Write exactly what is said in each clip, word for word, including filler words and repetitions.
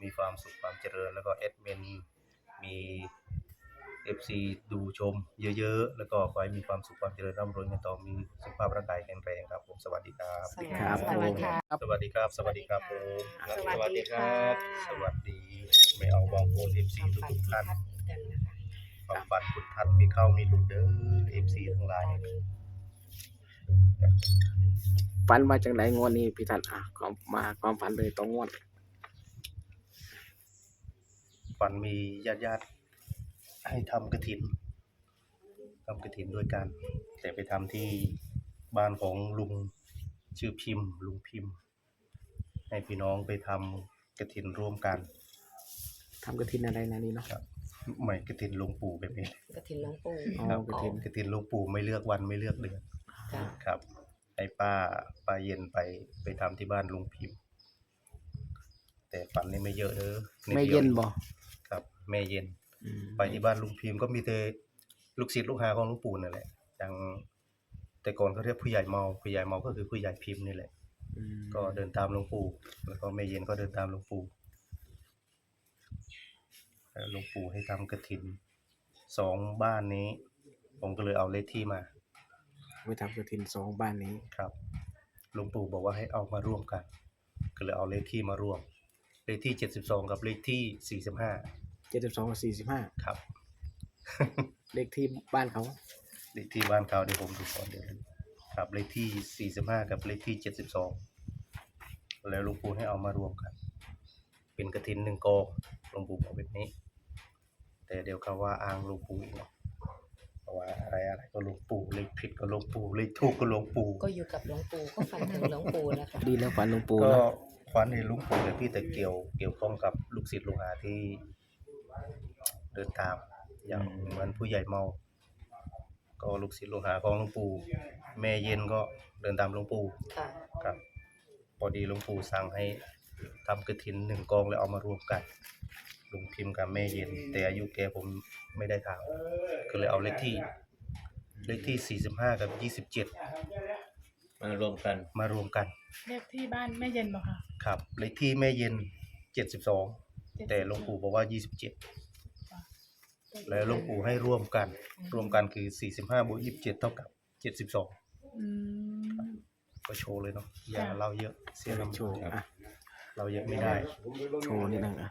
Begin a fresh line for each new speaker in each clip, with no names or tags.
มีความสุขความเจริญแล้วก็แอดมินมี เอฟ ซี ดูชมเยอะๆแล้วก็ขอให้มีความสุขความเจริญร่ำรวยเงินทองมีสุขภาพร่างกายแข็งแรงครับผมสวัสดีครับ
สวัสดีครับ
สวัสดีค่ะ
สวัสดีครับสวัสดีครับผม
สวัสดีค่ะ
สวัสดีไม่เอาบองโอน เอฟ ซี ทุกๆท่าน
กันนะคะ
ความฝันคุณทัดมีเข้ามีหลุดเด้อ เอฟ ซี ทั้งหลาย
ฝันมาจากไหนงวดนี้พี่ทันอ่ะความมาความฝันเลยตรงงวด
ฝันมีญาติๆให้ทำกฐินทำกฐินด้วยกันแต่ไปทำที่บ้านของลุงชื่อพิมพ์ลุงพิมพ์ให้พี่น้องไปทำกฐินร่วมกัน
ทำกระถินอะไรนะนี่เนาะ
ครับไม่กฐินหลวงปู่แบบนี้
กระถินหลวงปู่
อ๋อ
ครับ
กฐิน
กฐินหลวงปู่ไม่เลือกวันไม่เลือกเดือน
ค่ะ
ครับให้ป้าป้าเย็นไปไปทำที่บ้านลุงพิมพ์ แต่ฝันนี่ไม่เยอะเด้อ
ไม่เย็นบ่
ครับแม่เย็น
อืม
ไปที่บ้านลุงพิมพ์ก็มีแต่ลูกศิษย์ลูกหาของหลวงปู่นั่นแหละอย่างแต่ก่อนเขาเรียกผู้ใหญ่เมาผู้ใหญ่เมาก็คือผู้ใหญ่พิมพ์นี่แหละ
อืม
ก็เดินตามหลวงปู่แล้วก็แม่เย็นก็เดินตามหลวงปู่แล้วหลวงปู่ให้ทำกฐินสองบ้านนี้ ผมก็เลยเอาเลขที่มา
ไปทำกระถินสองบ้านนี้
ครับหลวงปู่บอกว่าให้เอามาร่วมกัน ก็เลยเอาเลขที่มาร่วม เลขที่เจ็ดสิบสองกับเลขที่สี่สิบห้า
เจ็ดสิบสองกับสี่สิบห้า
ครับ
เลขที่บ้านเขา
เลขที่บ้านเขาเดี๋ยวผมดูก่อนเดี๋ยวครับเลขที่สี่สิบห้ากับเลขที่เจ็ดสิบสองแล้วหลวงปู่ให้เอามารวมกัน เป็นกฐินหนึ่งกองหลวงปู่บอกแบบนี้ แต่เดี๋ยวเขาว่าอ้างหลวงปู่อีกเนาะเพราะว่าอะไรอะไรก็หลวงปู่เลขผิดก็หลวงปู่เลขถูกก็หลวงปู่
ก็อยู่กับหลวงปู่ก็ฝันถึงหลวงปู่นะคะ
ดีแล้วฝันหลวงปู่
ก็
เนาะ
ฝันเห็นหลวงปู่เลยพี่แต่เกี่ยวเกี่ยวข้องกับลูกศิษย์ลูกหาที่เดินตามอย่างเหมือนผู้ใหญ่เมา ก็ลูกศิษย์ลูกหาของหลวงปู่แม่เย็นก็เดินตามหลวงปู่
ค่ะ
ครับพอดีหลวงปู่สั่งให้ทำกฐินหนึ่งกองแล้วเอามารวมกันลุงพิมพ์กับแม่เย็นแต่อายุแกผมไม่ได้ถามก็เลยเอาเลขที่เลขที่สี่สิบห้ากับยี่สิบเจ็ด
มารวมกัน
มารวมกัน
เลขที่บ้านแม่เย็นบ่ค่ะ
ครับเลขที่แม่เย็นเจ็ดสิบสองแต่หลวงปู่บอกว่ายี่สิบเจ็ดแล้วหลวงปู่ให้ร่วมกันรวมกันคือสี่สิบห้าบวกยี่สิบเจ็ดเท่ากับเจ็ดสิบสอง
อืม
ก็โชว์เลยเนาะอย่าเล่าเยอะเสียลำ
โชว์อ่ะ
เราเยอะไม่ได้
โชว์นิดนึงอ่ะ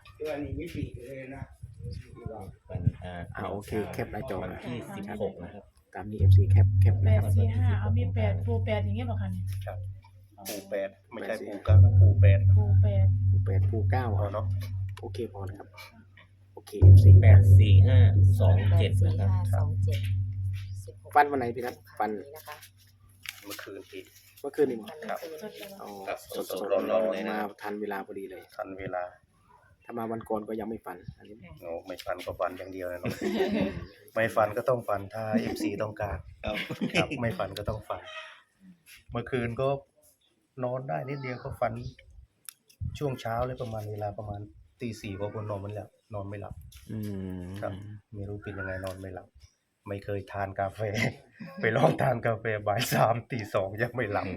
วันอ่า
อ่าโอเคแคปหน้าจอ
วัน
นะ
ที่สิบหกนะครับ
ตามนี้ เอฟ ซี แคปแคป
แป
นะค
ด
รับ
สี่ห้าเอามีแปดปูแปดอย่างเงี้ยบ่ค่ะเนี่ย
ครับปูแปดไม่ใช่ปูเก้านะปูแปด
ปูแปด
ปูแปดปูเก้า
พอเนาะ
โอเคพอนะครับโอเค เอฟ ซี
แปดสี่ห้าสอง
แป
เจ็
ด
ด
สี่
นะครับ
ห้าสองเจ็ดสิบหก
ฟันวันไหนพี่ทัศน์ฟัน
นี้นะคะ
เมื่อคืนพี่
เมื่อคืนนี่มั้ง
ครับ
สดเลย
อ๋อ
ครับ
สด
ส
ส
ด
ด
ๆ
ร้อน
ๆเลยนะ
มาทันเวลาพอดีเลย
ทันเวลา
ถ้ามาวันก่อนก็ยังไม่ฟันอันนี้
โอ้ไม่ฟันก็ฟันอย่างเดียวเลยเนาะ ไม่ฟันก็ต้องฟันถ้า เอฟ ซี ต้องการครับไม่ฟันก็ต้องฟัน เมื่อคืนก็นอนได้นิดเดียวก็ฟันช่วงเช้าเลยประมาณเวลาประมาณตีสี่ก็คนนอนไม่หลับนอนไม่หลับ
อืม
ครับไม่รู้เป็นยังไงนอนไม่หลับ ไม่เคยทานกาแฟ ไปลองทานกาแฟบ่ายสามตีสองยังไม่หลับ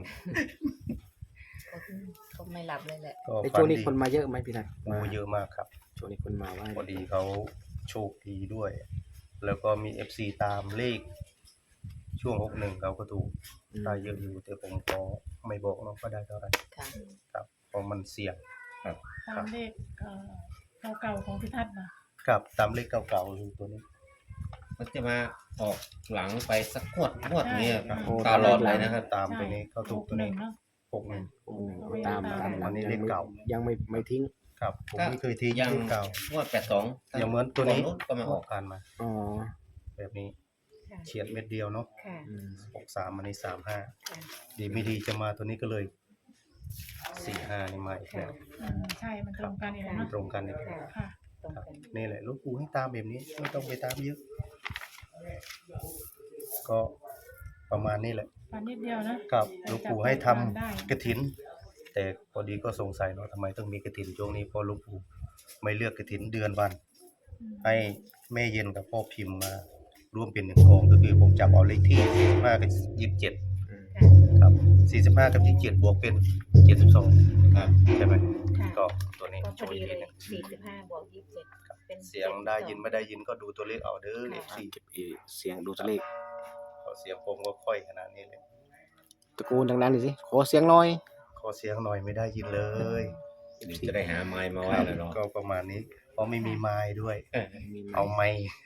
ก็ไม่หลับเลยแหละ
ก็
ใน
ฝั
ช่วงนี้
ดี
คนมาเยอะไหมพี่ทัศน์
โอ้เยอะมากครับ
ช่วงนี้คนมาว่า
พอดีเขาโชคดีด้วย แล้วก็มี เอฟ ซี ตามเลข ช่วงหกหนึ่งเขาก็ถูกได้เยอะอยู่ แต่ผมก็ไม่บอกเนาะว่าได้เท่าไหร่
ค่ะ
ครับเพราะมันเสี่ยง
ตามเลขเอ่อเก่าๆของพิทัศน์นะ
ครับตามเลขเก่าๆอยู่ตัวนี้
มันจะมาออกหลังไปสักงวดงวดนี้ครับ
โอ้
ตลอดเลยนะครับ
ตามไปนี้เขาถูกตัวนี้
เนาะ
หกหนึ่ง
โอ้โหตามตามหลั
อั
ง
นนี้
ยัง
เลข
ไม่
เก่า
ยังไม่ไม่ทิ้ง
ครับผมไม่เคยทิ้ง
ยัง
เลขเก่าง
วดแปดสอง
อย่างเหมือนตัวนี้
ก็มาออก
ผ่านมา
อ๋อ
แบบนี้
ค่ะ
เฉียดเม็ดเดียวเนาะ
ค่ะ
อืม
หกสามอันนี้สามห้า
ค่ะ
ดีไม่ดีจะมาตัวนี้ก็เลยสี่ห้านี่มาอีกแล้ว
อืมใช่มันตรงกันอีกแล้วเนาะ
ตรงกันอีกแล้ว
ค่ะ
ตรง
ครับ
กัน
นี่แหละหลูกปู่ให้ตามแบบนี้ไม่ต้องไปตามเยอะ ก็ประมาณนี้แหละ
ฟันนิดเดียวนะ
ครับหลูกปู่ให้ทำ
ได้
กฐิน แต่พอดีก็สงสัยเนาะทำไมต้องมีกฐินช่วงนี้เพราะหลูกปู่ไม่เลือกกฐินเดือนวัน
อืม
ให้แม่เย็นกับพ่อพิมพ์มาร่วมเป็นหนึ่งกองก็คือผมจับเอาเลขที่สี่สิบห้ากับยี่สิบเจ็ด
อืม
ครับสี่สิบห้ากับยี่สิบเจ็ดบวกเป็นเจ็ดสิบสอง
ครับ
ใช่ไหม
ค่ะ
กก็ตัวนี้
ก็พ
โช
อ
ว์
ดี
อีก
เล
ที
ย
หนึง
สี่สิบห้าบวกยี่สิบเจ็ดเป็น
เสียงได้ยินไม่ได้ยินก็ดูตัวเลขเอาเด้อ
ค่ะ
เอฟซี
เก็บอีเสียงดูตัวเลข
เสียงผมก็ค่อยขนาดนี้เลย
ตะโกนดังๆหน่อยสิขอเสียงหน่อย
ขอเสียงหน่อยไม่ได้ยินเลย
เดี๋ยวจะได้หาไม้มาไว้แล้วเนาะ
ก็ประมาณนี้เพราะไม่มีไม้ด้วย
เออ
มีไหม
เอาไม้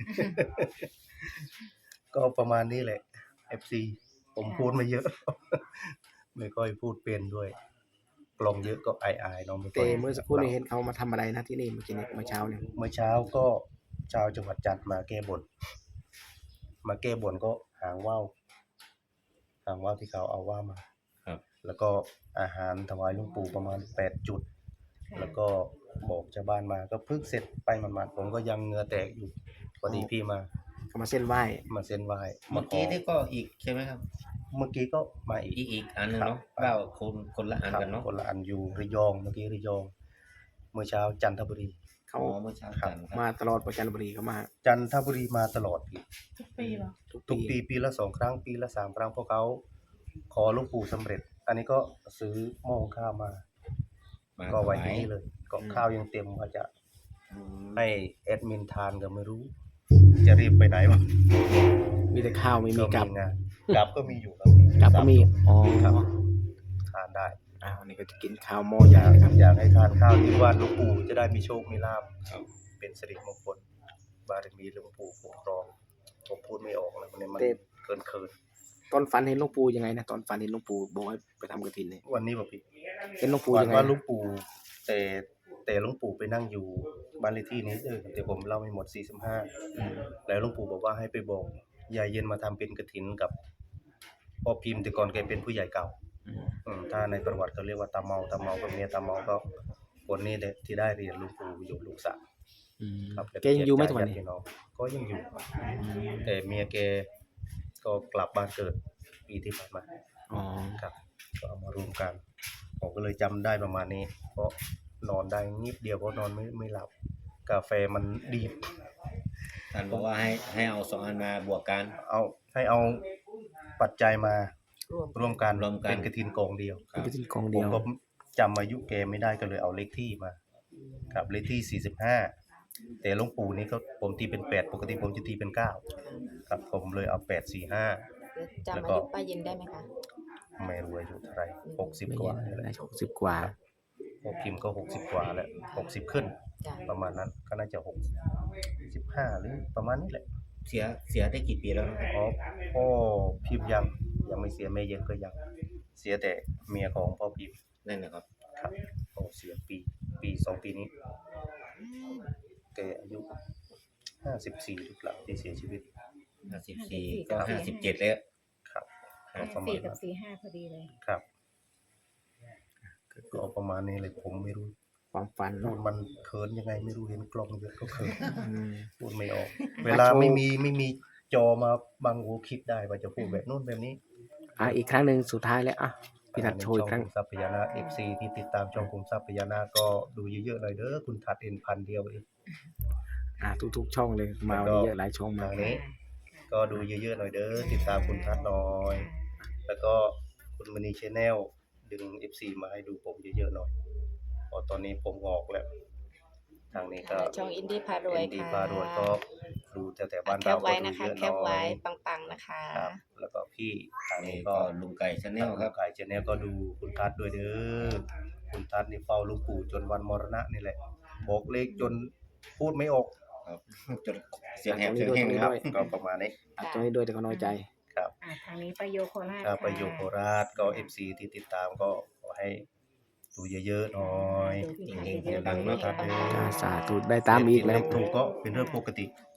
ก็ประมาณนี้แหละ เอฟ ซี ผมพูดมาเยอะ ไม่ค่อยพูดเป็นด้วย กลองเยอะก็อายๆเนาะไม่ค่
แต่
อย
เมื่อสักครู่นี้เห็นเขามาทำอะไรนะที่นี่เมื่อกี้นี้เมื่อเช้าเนี่ย
เมื่อเช้าก็ชาวจังหวัดจันทร์มาแก้บน มาแก้บนก็หางว่าวหางว่าวที่เขาเอาว่าวมา
ครับ
แล้วก็อาหารถวายหลวงปู่ประมาณแปดจุด แล้วก็บอกชาวบ้านมาก็เพิ่งเสร็จไปหมาดๆผมก็ยังเหงื่อแตกอยู่พอดีพี่มา
เขามาเส้นไหว้
มาเส้นไหว้
เมื่อ
ข
กี้นี่ก็อีกใช่ไหมครับ
เมื่อกี้ก็มาอีก
อีกอีกอันหนึง
ครับ
เนาะเก้าคนคนละอัน
ครับ
กันเนาะ
คนละอันอยู่ระยองเมื่อกี้ระยอง เมื่อเช้าจันทบุรี
เขา
อ๋อเมื่อเช้า
ครับ
กันครับ
มาตลอดประจันทบุรีเขามา
จันทบุรีมาตลอดพี่
ทุกปีเหรอ
ทุก
ทุก
ปี
ปีปีละสองครั้งปีละสามครั้งพวกเขาขอหลวงปู่สำเร็จ อันนี้ก็ซื้อหม้อหุงข้าวมา
มา
ก็ไว้
ถวา
ที่
ย
นี่เลยก็ข้าวยังเต็มว่าจะ
อืม
ให้แอดมินทานก็ไม่รู้ จะรีบไปไหนวะ
มีแต่ข้าวไม่มีกับ
งานกับก็มีอยู่ครับพี่
กับก็มีอ๋อ
ครับทานได้
อ้าวนี่ก็จะกินข้าวหม้อใหญ่นะครับ
อยากให้ทานข้าวที่วัดหลวงปู่จะได้มีโชคมีลาภ
ครับ
เป็นสิริมงคลบารมีหลวงปู่คุ้มครองผมพูดไม่ออกแล้วมันมันเกินเคิน
ตอนฝันเห็นหลวงปู่ยังไงนะตอนฝันเห็นหลวงปู่บอกให้ไปทำกฐินเนี่ย
วันนี้บอกพี่
เห็นหลวงปู่
วั
ยังไง
ว่าหลวงปู่แต่แต่หลวงปู่ไปนั่งอยู่บ้านเลขที่นี้เออแต่ผมเล่าไม่หมดสี่สิบห้า
อืม
แล้วหลวงปู่บอกว่าให้ไปบอกยายเย็นมาทำเป็นกฐินกับพ่อพิมพ์แต่ก่อนแกเป็นผู้ใหญ่เก่า
อืม
อืมถ้าในประวัติเขาเรียกว่าตาเมาตาเมากับเมียตาเมาก็คนนี้แหละที่ได้เรียนหลวงปู่อยู่ลูกสาว
อืม
ครับ
แกยังอยู่ไหมทุกวันนี้
ญาติพี่น้องก็ยังอยู่ครับแต่เมียแกก็กลับบ้านเกิดปีที่ผ่านมา
อ๋อ
ครับก็เอามารวมกันผมก็เลยจำได้ประมาณนี้ เพราะนอนได้นิดเดียวเพราะนอนไม่ไม่หลับ กาแฟมันดีบ
ท่านบอกว่าให้ให้เอาสองอันมาบวกกัน
เอาให้เอาปัจจัยมาร
วม
ร่วมกัน
รวมกัน
เป็นกฐินกองเดียว
เป็นกฐินกอง
ผ
เดี
ม
ยว
ก็จำอายุแกไม่ได้ก็เลยเอาเลขที่มาครับเลขที่สี่สิบห้าแต่หลวงปู่นี่ก็ผมตีเป็นแปดปกติผมจะตีเป็นเก้าครับผมเลยเอาแปดสี่ห้า
จำ
แล้ว
อา
ก็
ยุป้าเย็นได้ไหมคะ
ไม่รู้อายุเท่าไหรหกสิบ
ไม่
กว่า
เย็น
นี่แห
ได้
ละ
หกสิบกว่า
พวกพิมพ์ก็หกสิบกว่าแล้วหกสิบขึ้น
จ้ะ
ประมาณนั้นก็น่าจะหกสิบห้าหรือประมาณนี้แหละ
เสียเสียได้กี่ปีแล้วนะครับ
อ๋อพ่อพิมพ์ยังยังไม่เสียแม่เย็นก็ยังเสียแต่เมียของพ่อพิมพ์
นั่นนะครับ
ครับโอ้เสียปีปีสองปีนี้แกอายุห้าสิบสี่หรือเปล่าที่เสียชีวิต
ห้าสิบสี่ก็ห้าสิบเจ็ดแล้ว
ครับก็ประมา
สี่
ณ
กับ
นั้น
สี่ห้าพอดีเลย
ครับก็ประมาณนี้เลยผมไม่รู้
ความฝัน
พู
เนาะ
ดมันเขินยังไงไม่รู้เห็นกล้องเยอะก็เขิน
อืม
พูดไม่ออก เวลาไม่มีไม่มีจอมาบังหูคิดได้ว่าจะพูดแบบนู้นแบบนี้
อ่ะอีกครั้งหนึ่งสุดท้ายแล้วอ่ะพี่ทัดโชว์อีกครั้ง
ช่องคุมทรัพย์พญานาค เอฟ ซี ที่ติดตามช่องคุมทรัพย์พญานาคก็ดูเยอะๆหน่อยเด้อคุณทัดเอ็นพันเดียวเอง
อ่ะทุกๆช่องเลยมาวันนี้เยอะหลายช่องมา
ทางนี้ ก็ดูเยอะๆหน่อยเด้อติดตามคุณทัดหน่อย แล้วก็คุณมณีชแนลดึง เอฟ ซี มาให้ดูผมเยอะๆหน่อยเพราะตอนนี้ผมออกแล้ว ทางนี้ก็
ช่องอินดี้พารวย
เอ็นดี
ค่ะ
พารวยก็ดูแต่แต่บ้าน
แค
เรา
ป
ก็
ไว้
ดู
นะคะ
เยอะ
แค
หน่
ป
อ
ไว้
ย
ปังๆนะคะ
ครับ แล้วก็พี่ทาง
นี่
นี้
ก็
ก็
ลุงไก่ชาแนลครับ
ขายชแนลก็ดูคุณทัดด้วยเด้อคุณทัดนี่เฝ้าหลูกปู่จนวันมรณะนี่แหละ บอกเลขจนพูดไม่ออก
ครับจนเสียงแหบเสียงแห้งเลย
ค
ค
รั
รั
บบ ก็ประมาณนี้
อ่ะตรงนี้ด้วยแต่ก็น้อยใจ
ครับ
อ่าทางนี้ประโยโคราช
ถ้า
ค่ะ
ไปอยู่โคราชก็ เอฟ ซี ที่ติดตามก็ขอให้ดูเยอะๆหน่อย
ดูที่
เฮงๆ
เยอะๆ
ดังๆเนอะ
ครับ
ปัง
จ้าสาธุได้ตามอีกแล้ว
เลขถูกก็เป็นเรื่องปกติ